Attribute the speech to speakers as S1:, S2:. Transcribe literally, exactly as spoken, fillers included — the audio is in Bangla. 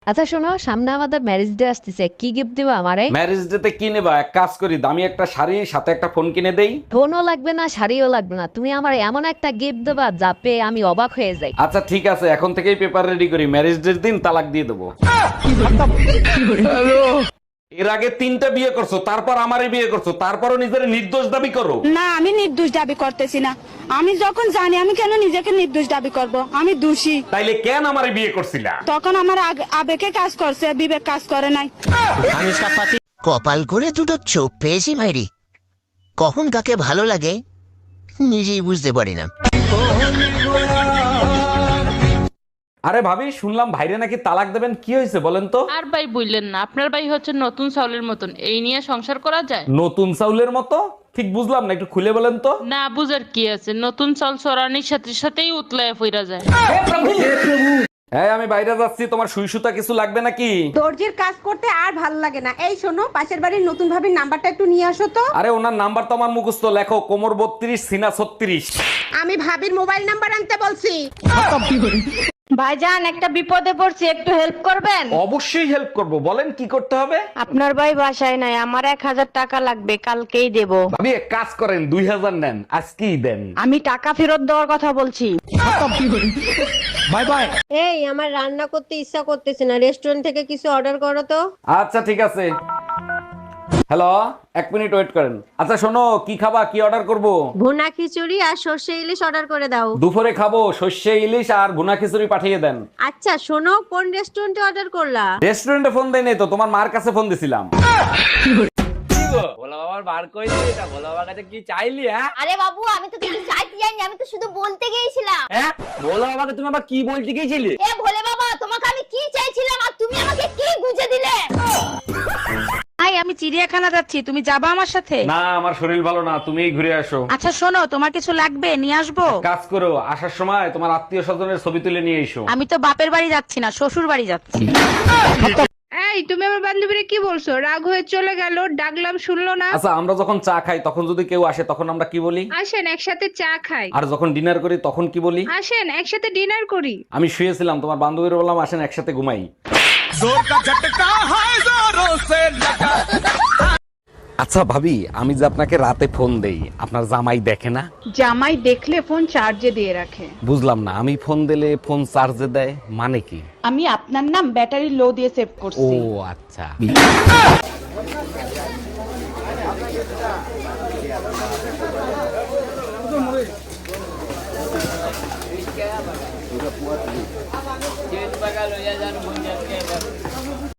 S1: আচ্ছা শোনো, সামনে আমাদের ম্যারেজ ডে আসতেছে, কি গিফট দিবা আমারে?
S2: ম্যারেজ ডেতে কি নেবা? এক কাজ করি, দামি একটা শাড়ি সাথে একটা ফোন কিনে দেই।
S1: ফোনও লাগবে না, শাড়িও লাগবে না, তুমি আমার এমন একটা গিফট দেবা যা পেয়ে আমি অবাক হয়ে যাই।
S2: আচ্ছা ঠিক আছে, এখন থেকেই পেপার রেডি করি, ম্যারেজ ডের দিন তালাক দিয়ে দেবো। এর আগে তিনটা বিয়ে করছো, তারপর আমারে বিয়ে করছো, তারপরও নিজের নির্দোষ দাবি করো।
S3: না, আমি নির্দোষ দাবি করতেছি না। আমি যখন জানি, আমি কেন নিজেকে নির্দোষ দাবি করব? আমি দোষী।
S2: তাইলে কেন আমারে বিয়ে করছিলা?
S3: তখন আমার আগ- আবেগে কাজ করছে, বিবেক কাজ করে নাই।
S4: কপাল করে দুটো চোখ পেয়েছি মাইরি, কখন কাকে ভালো লাগে নিজেই বুঝতে পারি না।
S2: আরে ভাবি, শুনলাম ভাইরে নাকি তালাক দেবেন, কি হয়েছে বলেন তো?
S5: আর ভাই বললেন না, আপনার ভাই হচ্ছে নতুন চাউলের মতন, এই নিয়ে সংসার করা যায়?
S2: নতুন চাউলের মতো? ঠিক বুঝলাম না, একটু খুলে বলেন তো।
S5: না বুঝার কি আছে, নতুন চাউল চড়ানির সাথে সাথেই উতলায় ফিরা যায়।
S2: হ্যাঁ আমি বাইরে যাচ্ছি, তোমার সুই সুতা কিছু লাগবে নাকি?
S6: দর্জির কাজ করতে আর ভালো লাগে না। এই শোনো, পাশের বাড়ির নতুন ভাবির নাম্বারটা একটু নিয়ে আসো তো।
S2: আরে ওনার নাম্বার তো আমার মুখস্থ, লেখো কোমর বত্রিশ সিনা ছত্রিশ।
S6: আমি ভাবির মোবাইল নাম্বার আনতে বলছি।
S7: ভাইজান, একটা বিপদে পড়ছি, একটু হেল্প করবেন?
S2: অবশ্যই হেল্প করব, বলেন কি করতে হবে।
S7: আপনার ভাই বাসায় নাই, আমার এক হাজার টাকা লাগবে, কালকেই দেব।
S2: ভাবি এক কাজ করেন, দুই হাজার নেন, আজকেই দেন।
S7: আমি টাকা ফেরত দেওয়ার কথা বলছি।
S2: Bye bye.
S8: এই, আমার রান্না করতে ইচ্ছা করতেছে না, রেস্টুরেন্ট থেকে কিছু অর্ডার করো তো।
S2: আচ্ছা ঠিক আছে। হ্যালো, এক মিনিট ওয়েট করেন। আচ্ছা শোনো, কি খাবা, কি অর্ডার করব?
S8: ভুনা খিচুড়ি আর সর্ষে ইলিশ অর্ডার করে দাও।
S2: দুপুরে খাবো সর্ষে ইলিশ আর ভুনা খিচুড়ি পাঠিয়ে দেন।
S8: আচ্ছা শোনো, কোন রেস্টুরেন্টে অর্ডার করলা?
S2: রেস্টুরেন্টে ফোন দেই নাই তো, তোমার মার কাছে ফোন দিছিলাম।
S9: আরে বাবু, আমি তো কিছু চাইতে যাইনি, আমি তো শুধু বলতে গিয়েছিলাম।
S2: বলো বাবাকে তুমি আবার কি বলতে গিয়েছিলে?
S9: এ ভোলে বাবা, তোমাকে আমি কি চাইছিলাম আর তুমি আমাকে কি গুজে দিলে?
S3: আই, আমি চিড়িয়াখানা যাচ্ছি, তুমি যাবা আমার সাথে?
S2: না, আমার শরীর ভালো না, তুমিই ঘুরে আসো।
S3: আচ্ছা শোনো, তোমার কিছু লাগবে, নিয়ে আসবো।
S2: কাজ করো, আসার সময় তোমার আত্মীয় স্বজনের ছবি তুলে নিয়ে এসো।
S3: আমি তো বাপের বাড়ি যাচ্ছি না, শ্বশুর বাড়ি যাচ্ছি।
S6: এই, তুমি আমার বান্ধবীরে কি বলছো? রাগ হয়ে চলে গেল, ডাকলাম শুনলো না।
S2: আচ্ছা আমরা যখন চা খাই তখন যদি কেউ আসে তখন আমরা কি বলি?
S6: আসেন একসাথে চা খাই।
S2: আর যখন ডিনার করি তখন কি বলি?
S6: আসেন একসাথে ডিনার করি।
S2: আমি শুয়েছিলাম, তোমার বান্ধবীর বললাম আসেন একসাথে ঘুমাই। আচ্ছা ভাবি, আমি যে আপনাকে রাতে ফোন দেই, আপনার জামাই দেখে না?
S6: জামাই দেখলে ফোন চার্জে দিয়ে রাখে।
S2: বুঝলাম না, আমি ফোন দিলে ফোন চার্জে দেয় মানে কি?
S6: আমি আপনার নাম ব্যাটারি লো দিয়ে সেভ
S2: ও
S6: করছি।
S2: আচ্ছা।